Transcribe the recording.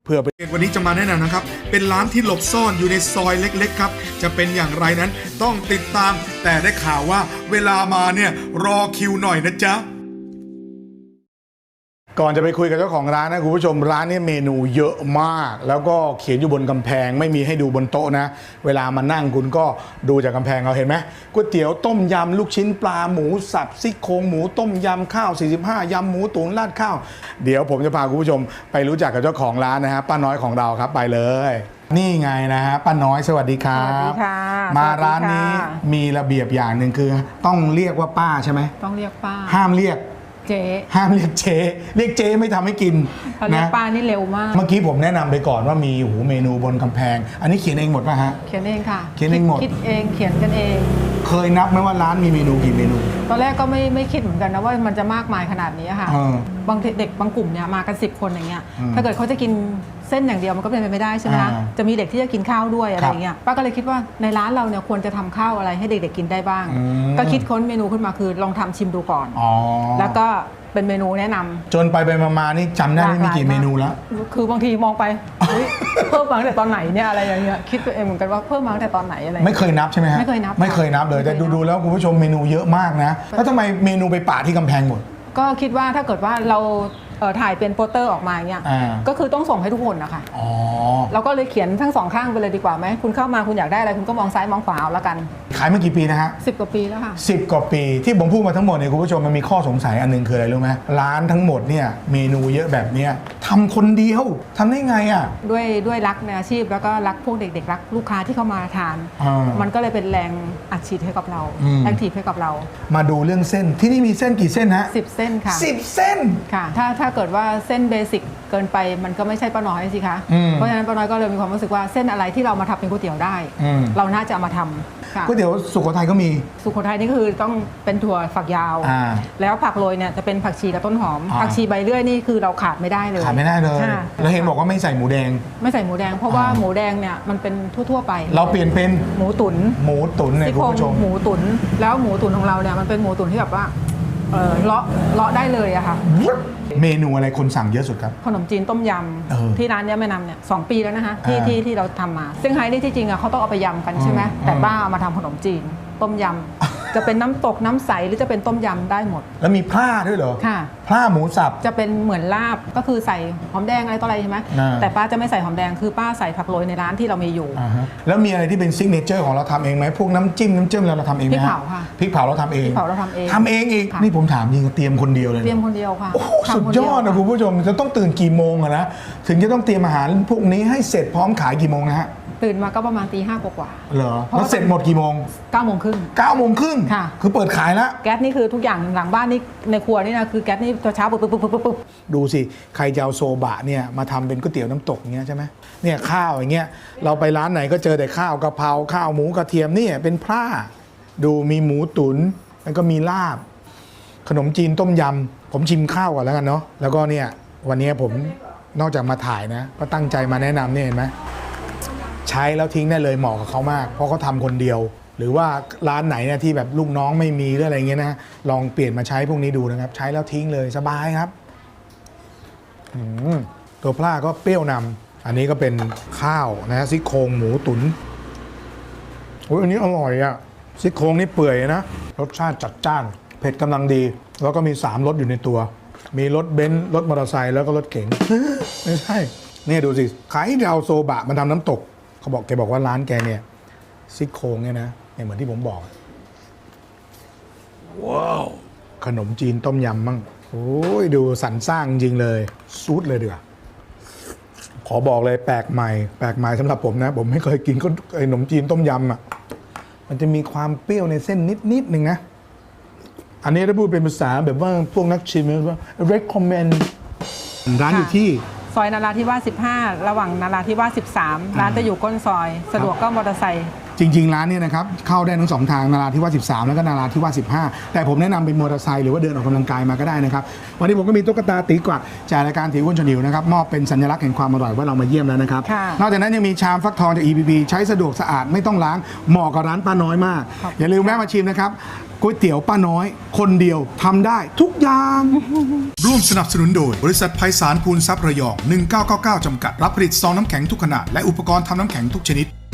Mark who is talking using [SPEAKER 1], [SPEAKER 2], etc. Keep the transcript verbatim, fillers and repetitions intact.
[SPEAKER 1] เพื่อวันนี้จะมาแนะนำนะครับเป็นร้านที่หลบซ่อนอยู่ในซอยเล็กๆครับจะเป็นอย่างไรนั้นต้องติดตามแต่ได้ข่าวว่าเวลามาเนี่ยรอคิวหน่อยนะจ๊ะก่อนจะไปคุยกับเจ้าของร้านนะคุณผู้ชมร้านนี้เมนูเยอะมากแล้วก็เขียนอยู่บนกำแพงไม่มีให้ดูบนโต๊ะนะเวลามานั่งคุณก็ดูจากกำแพงเอาเห็นไหมก๋วยเตี๋ยวต้มยำลูกชิ้นปลาหมูสับซี่โครงหมูต้มยำข้าวสี่สิบห้ายำหมูตุ๋นราดข้าวเดี๋ยวผมจะพาคุณผู้ชมไปรู้จักกับเจ้าของร้านนะฮะป้าน้อยของเราครับไปเลยนี่ไงนะฮะป้าน้อยสวัสดีครับ
[SPEAKER 2] สวัสดีค่ะ
[SPEAKER 1] มาร้านนี้มีระเบียบอย่างหนึ่งคือต้องเรียกว่าป้าใช่ไหม
[SPEAKER 2] ต้องเรียกป้า
[SPEAKER 1] ห้ามเรียก
[SPEAKER 2] เจ๊
[SPEAKER 1] ห้ามเรียกเจ๊เรียกเจ๊ไม่ทำให้กิน
[SPEAKER 2] เรียกป้านี่เร็วมาก
[SPEAKER 1] เมื่อกี้ผมแนะนำไปก่อนว่ามีหูเมนูบนกำแพงอันนี้เขียนเองหมดป่ะฮะ
[SPEAKER 2] เขียนเองค่ะ
[SPEAKER 1] เขียนเองหมด
[SPEAKER 2] คิดเองเขียนกันเอง
[SPEAKER 1] เคยนับไหมว่าร้านมีเมนูกี่เมนู
[SPEAKER 2] ตอนแรกก็ไม่ไม่คิดเหมือนกันนะว่ามันจะมากมายขนาดนี้ค่ะบางเด็กบางกลุ่มเนี่ยมากันสิบคนอย่างเงี้ยถ้าเกิดเขาจะกินเส้นอย่างเดียวมันก็เป็นไปไม่ได้ใช่ไหมคะจะมีเด็กที่จะกินข้าวด้วยอะไรอย่างเงี้ยป้าก็เลยคิดว่าในร้านเราเนี่ยควรจะทำข้าวอะไรให้เด็กๆกินได้บ้างก็คิดค้นเมนูขึ้นมาคือลองทำชิมดูก่อนแล้วก็เป็นเมนูแนะนำ
[SPEAKER 1] จนไปไปมาๆนี่จำได้ไม่มีกี่เมนูแล้ว
[SPEAKER 2] คือบางทีมองไปเพิ่มมาตั้งแต่ตอนไหนเนี่ยอะไรอย่างเงี้ยคิดตัวเองเหมือนกันว่าเพิ่มมาตั้งแต่ตอนไหนอะไร
[SPEAKER 1] ไม่เคยนับใช่ไหมฮะ
[SPEAKER 2] ไม่เคยนับ
[SPEAKER 1] ไม่เคยนับเลยแต่ดูๆแล้วคุณผู้ชมเมนูเยอะมากนะแล้วทำไมเมนูไปป่าที่กำแพงหมด
[SPEAKER 2] ก็คิดว่าถ้าเกิดว่าเราถ่ายเป็นโปสเตอร์ออกมาเนี่ยก็คือต้องส่งให้ทุกคนนะคะเราก็เลยเขียนทั้งสองข้างไปเลยดีกว่าไหมคุณเข้ามาคุณอยากได้อะไรคุณก็มองซ้ายมองขวาเอาละกัน
[SPEAKER 1] ขายมากี่ปีนะฮะ
[SPEAKER 2] สิบกว่าปีแล้วค่ะ
[SPEAKER 1] สิบกว่าปีที่ผมพูดมาทั้งหมดเนี่ยคุณผู้ชมมันมีข้อสงสัยอันนึงคืออะไรรู้ไหมร้านทั้งหมดเนี่ยเมนูเยอะแบบเนี้ยทำคนเดียวทำได้ไงอ่ะ
[SPEAKER 2] ด้วยด้วยรักในอาชีพแล้วก็รักพวกเด็กๆรักลูกค้าที่เข้ามาทานมันก็เลยเป็นแรงอัดฉีดให้กับเราแรงถีบให้กับเรา
[SPEAKER 1] มาดูเรื่องเส้นที่นี่มีเส้นกี่เส้นฮะ
[SPEAKER 2] สิบเส้นค่ะ
[SPEAKER 1] สิบเส้น
[SPEAKER 2] ค่ะถ้าถ้าเกิดว่าเส้นเบสิกเกินไปมันก็ไม่ใช่ป้าน้อยสิคะเพราะฉะนั้นป้าน้อยก็เลยมีความรู้สึกว่าเส้นอะไรที่เรามาทำเป็นก๋วยเตี๋ยวได้เราน่าจะเอามาทำ
[SPEAKER 1] ก๋วยเตี๋ยวสุโขทัยก็มี
[SPEAKER 2] สุโขทัยนี่คือต้องเป็นถั่วฝักยาวแล้วผักโรยเนี่ยจะเป็นผักชีกับต้นหอมผักชีใบเลื่อยนี่คือเราขาดไม่ได้เลย
[SPEAKER 1] ขาดไม่ได้เลยแล้วเห็นบอกว่าไม่ใส่หมูแดง
[SPEAKER 2] ไม่ใส่หมูแดงเพราะว่าหมูแดงเนี่ยมันเป็นทั่วๆไป
[SPEAKER 1] เราเปลี่ยนเป็น
[SPEAKER 2] หมูตุ๋น
[SPEAKER 1] หมูตุ๋นในคุณผู้ชม
[SPEAKER 2] หมูตุ๋นแล้วหมูตุ๋นของเราเนี่ยมันเป็นหมูตุ๋นที่แบบว่าเออเลาะเลาะได้เลยอะค่ะ
[SPEAKER 1] เมนูอะไรคนสั่งเยอะสุดครับ
[SPEAKER 2] ขนมจีนต้มยำที่ร้านนี้แม่นำเนี่ยสองปีแล้วนะคะที่ที่ที่เราทำมาซึ่งไฮนี่ที่จริงอะเขาต้องเอาไปยำกันใช่ไหมแต่ป้าเอามาทำขนมจีนต้มยำจะเป็นน้ำตกน้ำใสหรือจะเป็นต้มยำได้หมด
[SPEAKER 1] แล้วมีพร่าด้วยเหรอ
[SPEAKER 2] ค่ะ
[SPEAKER 1] พร่าหมูสับ
[SPEAKER 2] จะเป็นเหมือนลาบก็คือใส่หอมแดงอะไรต่ออะไรใช่ไหมแต่ป้าจะไม่ใส่หอมแดงคือป้าใส่ผักโรยในร้านที่เรามีอยู่
[SPEAKER 1] แล้วมีอะไรที่เป็นซิกเนเจอร์ของเราทำเองไหมพวกน้ำจิ้มน้ำจิ้มเราทำเองไหม
[SPEAKER 2] พริกเผาค่ะ
[SPEAKER 1] พริกเผาเราทำเอง
[SPEAKER 2] พริกเผาเราทำเอง
[SPEAKER 1] ทำเองอีกนี่ผมถามจริงเตรียมคนเดียวเลย
[SPEAKER 2] เตรียมคนเดียวค่ะ
[SPEAKER 1] สุดยอดนะคุณผู้ชมจะต้องตื่นกี่โมงอะนะถึงจะต้องเตรียมอาหารพวกนี้ให้เสร็จพร้อมขายกี่โมงนะฮะ
[SPEAKER 2] ตื่นมาก็ประมาณตีห้ากว่า
[SPEAKER 1] เหรอแล้วเสร็จหมดกี่โมง
[SPEAKER 2] เก้าโมงครึ่ง
[SPEAKER 1] เก้าโมงครึ่ง
[SPEAKER 2] ค่ะ
[SPEAKER 1] คือเปิดขายแล้ว
[SPEAKER 2] แก๊สนี่คือทุกอย่างหลังบ้านนี่ในครัวนี่นะคือแก๊สนี่ตัวเช้าปุ๊บปุ๊บปุ๊บปุ๊บ
[SPEAKER 1] ดูสิใครจะเอาโซบะเนี่ยมาทำเป็นก๋วยเตี๋ยวน้ำตกเงี้ยใช่ไหมเนี่ยข้าวอย่างเงี้ยเราไปร้านไหนก็เจอแต่ข้าวกะเพราข้าวหมูกระเทียมนี่เป็นพร่าดูมีหมูตุ๋นแล้วก็มีลาบขนมจีนต้มยำผมชิมข้าวก่อนแล้วกันเนาะแล้วก็เนี่ยวันนี้ผมนอกจากมาถ่ายนะก็ตั้งใจมาแนะนำเนี่ยเห็นไหมใช้แล้วทิ้งได้เลยเหมาะกับเขามากเพราะเขาทำคนเดียวหรือว่าร้านไหนเนี่ยที่แบบลูกน้องไม่มีหรืออะไรเงี้ยนะลองเปลี่ยนมาใช้พวกนี้ดูนะครับใช้แล้วทิ้งเลยสบายครับตัวปลาก็เปรี้ยวนำอันนี้ก็เป็นข้าวนะซี่โครงหมูตุ๋นโอ้ยอันนี้อร่อยอะซี่โครงนี่เปื่อยนะรสชาติจัดจ้านเผ็ดกำลังดีแล้วก็มีสามรสอยู่ในตัวมีรถเบนซ์รถมอเตอร์ไซค์แล้วก็รถเก๋งไม่ใช่เนี่ยดูสิขายให้เราโซบะมันทำน้ำตกเขาบอกแกบอกว่าร้านแกเนี่ยซี่โครงเนี่ยนะเนี่ยเหมือนที่ผมบอกว้าวขนมจีนต้มยำมั่งโอ้ยดูสรรสร้างจริงเลยซูดเลยเดือขอบอกเลยแปลกใหม่แปลกใหม่สำหรับผมนะผมไม่เคยกินขนมจีนต้มยำอ่ะมันจะมีความเปรี้ยวในเส้นนิดนิดนึงนะอันนี้ถ้าพูดเป็นภาษาแบบว่าพวกนักชิมว่า recommend ร้านอยู่ที่
[SPEAKER 2] ซอยนาราธิวาสสิบห้าระหว่างนาราธิวาสสิบสามร้านจะอยู่ก้นซอยสะดวกก็มอเตอร์ไซค์
[SPEAKER 1] จริงๆร้านเนี่ยนะครับเข้าได้ทั้งสองทางนาราธิวาสสิบสามแล้วก็นาราธิวาสสิบห้าแต่ผมแนะนำเป็นมอเตอร์ไซค์หรือว่าเดินออกกำลังกายมาก็ได้นะครับวันนี้ผมก็มีตุ๊กตาตีกวักจากรายการตีอ้วนชวนหิวนะครับมอบเป็นสัญลักษณ์แห่งความอร่อยว่าเรามาเยี่ยมแล้วนะครับ
[SPEAKER 2] ค่ะ
[SPEAKER 1] นอกจากนั้นยังมีชามฟักทองจาก อี พี พี ใช้สะดวกสะอาดไม่ต้องล้างเหมาะกับร้านป้าน้อยมาก อย่าลืมแวะมาชิมนะครับก๋วยเตี๋ยวป้าน้อยคนเดียวทำได้ทุกอย่าง
[SPEAKER 3] ร่วมสนับสนุนโดยบริษัทไพศาลพูนทรัพย์ระยอง หนึ่งเก้าเก้าเก้า จำกัด รับผลิตซองน้ำแข็งทุกขนาดและอุปกรณ์ทำน้ำแข็งทุกชนิด